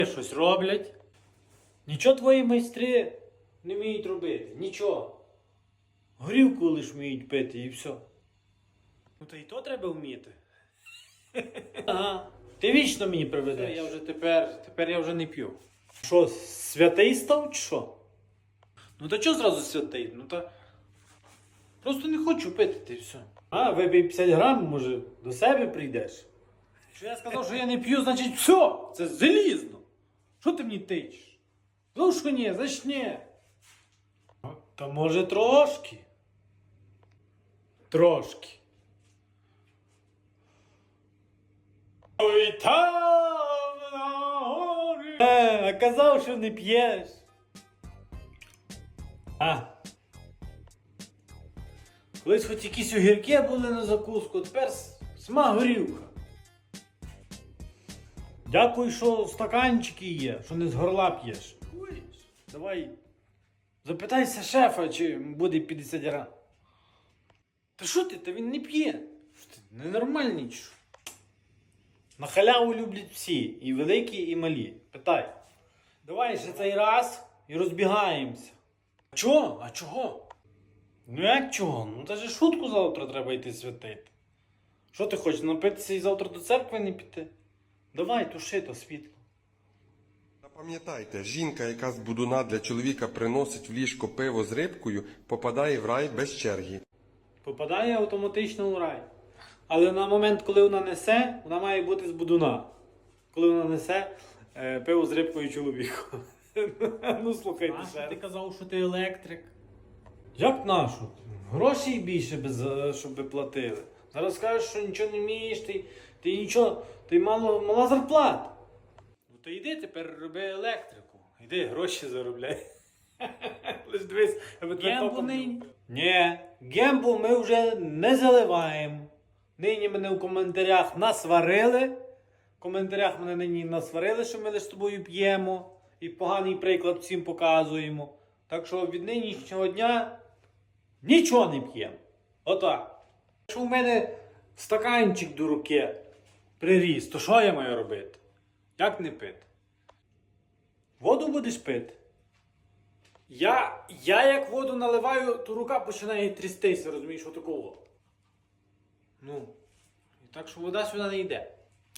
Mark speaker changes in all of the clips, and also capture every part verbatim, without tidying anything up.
Speaker 1: Щось роблять. Нічого твої майстри не вміють робити. Нічого. Горілку лиш вміють пити і все. Ну та й то треба вміти. Ага. Ти вічно мені приведеш.
Speaker 2: Я вже тепер, тепер я вже не п'ю.
Speaker 1: Що, святий став чи що?
Speaker 2: Ну та чого зразу святий? Ну та просто не хочу пити, ти все.
Speaker 1: А, випий п'ятдесят грам, може, до себе прийдеш.
Speaker 2: Що я сказав, що я не п'ю, значить все, це залізно. Що ти мені тичеш? Ну що ні, значить ні.
Speaker 1: Та може трошки. Трошки. Ой, там на горі. Е, а казав, що не п'єш. А. Колись хоч якісь огірки були на закуску, тепер с- сама горілка. Дякую, що стаканчики є, що не з горла п'єш. Давай, запитайся шефа, чи буде п'ятдесят грам.
Speaker 2: Та що ти, та він не п'є. Що ти, ненормальний чи що?
Speaker 1: На халяву люблять всі, і великі, і малі. Питай. Давай ще цей раз і розбігаємося.
Speaker 2: Чого? А чого?
Speaker 1: Ну як чого? Ну та же шутку завтра треба йти святити. Що ти хочеш, напитися і завтра до церкви не піти? Давай, туши то світло.
Speaker 3: Запам'ятайте, жінка, яка з будуна для чоловіка приносить в ліжко пиво з рибкою, попадає в рай без черги.
Speaker 1: Попадає автоматично у рай. Але на момент, коли вона несе, вона має бути з будуна. Коли вона несе е, пиво з рибкою чоловіку. Ну слухайте ще.
Speaker 2: Ти казав, що ти електрик.
Speaker 1: Як нашу? Грошей більше, без, е, щоб ви платили. Зараз кажеш, що нічого не вмієш, ти, ти нічого, ти мало, мала зарплата.
Speaker 2: Ну то йди тепер роби електрику.
Speaker 1: Йди, гроші заробляй. Лиш дивись, аби тебе
Speaker 2: Гембу
Speaker 1: током
Speaker 2: нині?
Speaker 1: не- Ні, гембу ми вже не заливаємо. Нині мене в коментарях насварили. В коментарях мене нині насварили, що ми лише з тобою п'ємо. І поганий приклад всім показуємо. Так що від нинішнього дня нічого не п'ємо. Отак. Якщо в мене стаканчик до руки приріс, то що я маю робити?
Speaker 2: Як не пити?
Speaker 1: Воду будеш пити?
Speaker 2: Я, я як воду наливаю, то рука починає трястися, розумієш, отакого. Ну, і так що вода сюди не йде.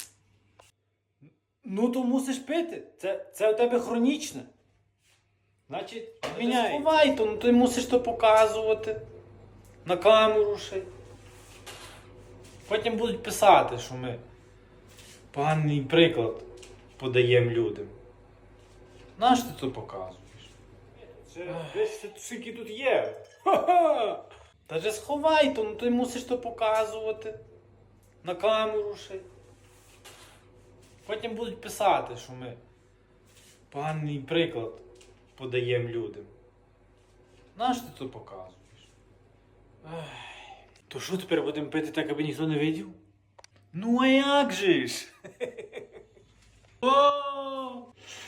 Speaker 1: Ну то мусиш пити. Це, це у тебе хронічне. Значить,
Speaker 2: міняй.
Speaker 1: сховай то, ну ти мусиш то показувати. На камеру ще. й. Потім будуть писати, що ми поганий приклад подаємо людям. Нащо ти то показуєш?
Speaker 2: Це скільки тут є?
Speaker 1: Ха-ха! Та же сховай то, ну ти мусиш то показувати. На камеру ще. й. Потім будуть писати, що ми поганий приклад подаємо людям. Нащо ти то показуєш?
Speaker 2: То що тепер будемо пити так, аби ніхто не видів?
Speaker 1: Ну а як же ж?
Speaker 2: О!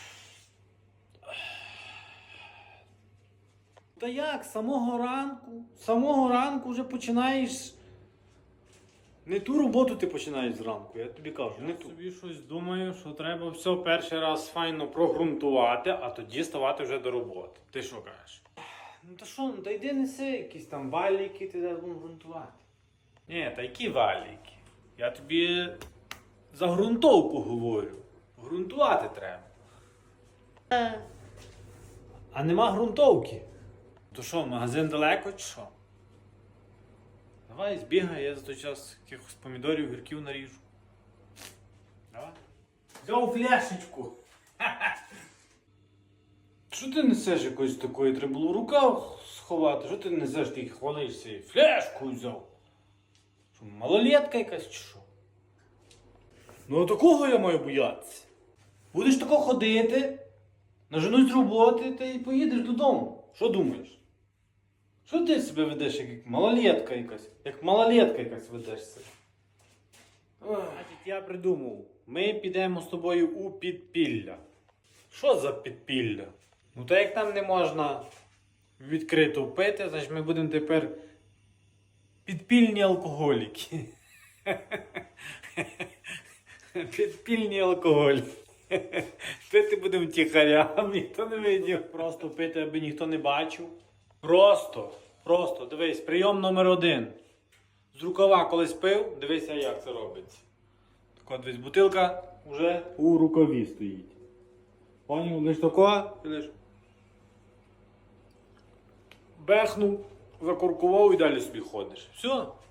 Speaker 1: Та як, з самого ранку, з самого ранку вже починаєш. Не ту роботу ти починаєш зранку, я тобі кажу, не
Speaker 2: Я
Speaker 1: ту.
Speaker 2: собі щось думаю, що треба все перший раз файно прогрунтувати, а тоді ставати вже до роботи. Ти що кажеш?
Speaker 1: Ну та що, ну та йди неси якісь там валіки, ти зараз будемо грунтувати.
Speaker 2: Ні, та які валіки? Я тобі за ґрунтовку говорю. Грунтувати треба.
Speaker 1: А нема грунтовки.
Speaker 2: То що, магазин далеко чи що? Давай збігай, я за той час якихось помідорів, гірків наріжу. Давай.
Speaker 1: Взяв фляшечку.
Speaker 2: Що ти несеш якоїсь такої? Треба було в рукав сховати. Що ти несеш, ти хвалишся і фляшку взяв?
Speaker 1: Що, малолетка якась чи що?
Speaker 2: Ну а такого я маю боятися.
Speaker 1: Будеш тако ходити, наженуть з роботи, та й поїдеш додому. Що думаєш? Що ти себе ведеш, як малолетка якась? Як малолетка якась ведеш себе?
Speaker 2: Значить, я придумав. Ми підемо з тобою у підпілля.
Speaker 1: Що за підпілля?
Speaker 2: Ну та як там не можна відкрито пити, значить ми будемо тепер
Speaker 1: Підпільні алкоголіки. Підпільні алкоголь. Пити будемо тихарям, ніхто не видів. Просто пити, аби ніхто не бачив. Просто, просто, дивись, прийом номер один. З рукава колись пив, дивися, як це робиться. Так от, дивись, бутилка вже у рукаві стоїть. Поняв, лиш такого, і лиш бехнув, закуркував і далі собі ходиш. Все.